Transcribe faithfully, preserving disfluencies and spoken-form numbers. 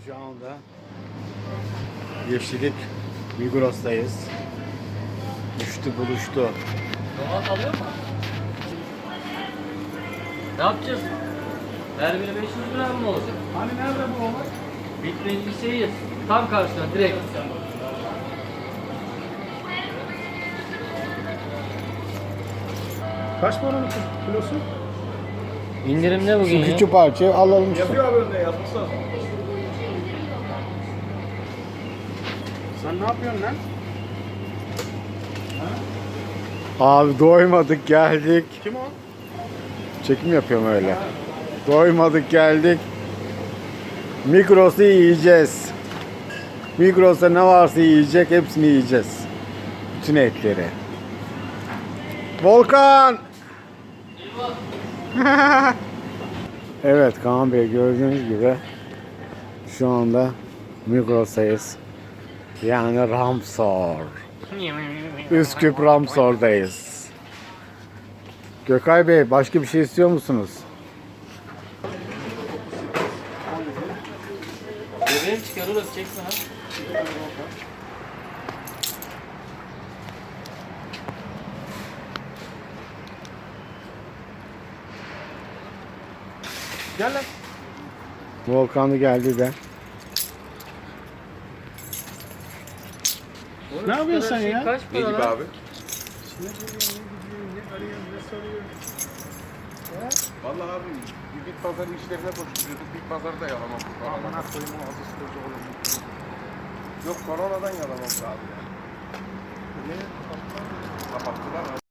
Şu anda Yeşillik Migros'tayız. Düştü buluştu. Domat alıyor mu? Ne yapacağız? Her biri beş yüz gram mı olacak? Hani nerede bu olay? Bitmecliseyiz. Tam karşıdan direkt. Kaç para kilosu? İndirimde Şu bugün ya. küçük parçayı alalım. Yapıyor abi önde yapmışlar. Sen ne yapıyorsun lan? Abi doymadık geldik. Kim o? Çekim yapıyorum öyle. Doymadık geldik. Migros'u yiyeceğiz. Migros'ta ne varsa yiyecek, hepsini yiyeceğiz. Bütün etleri. Volkan! Evet Kaan Bey, gördüğünüz gibi şu anda Migros'tayız. Yani Ramsor. Üsküp Ramsor'dayız. Gökay Bey, başka bir şey istiyor musunuz? Bebeğim çıkarır çekme ha. Gel lan. Volkan'ı geldi de. Ne yapıyorsun sen ya? Kaç Ne para gibi lan? abi? Ne geliyor, ne gidiyor, ne arıyor, ne soruyor? Vallahi abi bir bit pazarı işlerine koşturuyorduk. Bit pazarı da yalamam. Aman koyayım o azı sıkıcı olur. Yok koronadan yalamam abi. Ne? Kapattılar.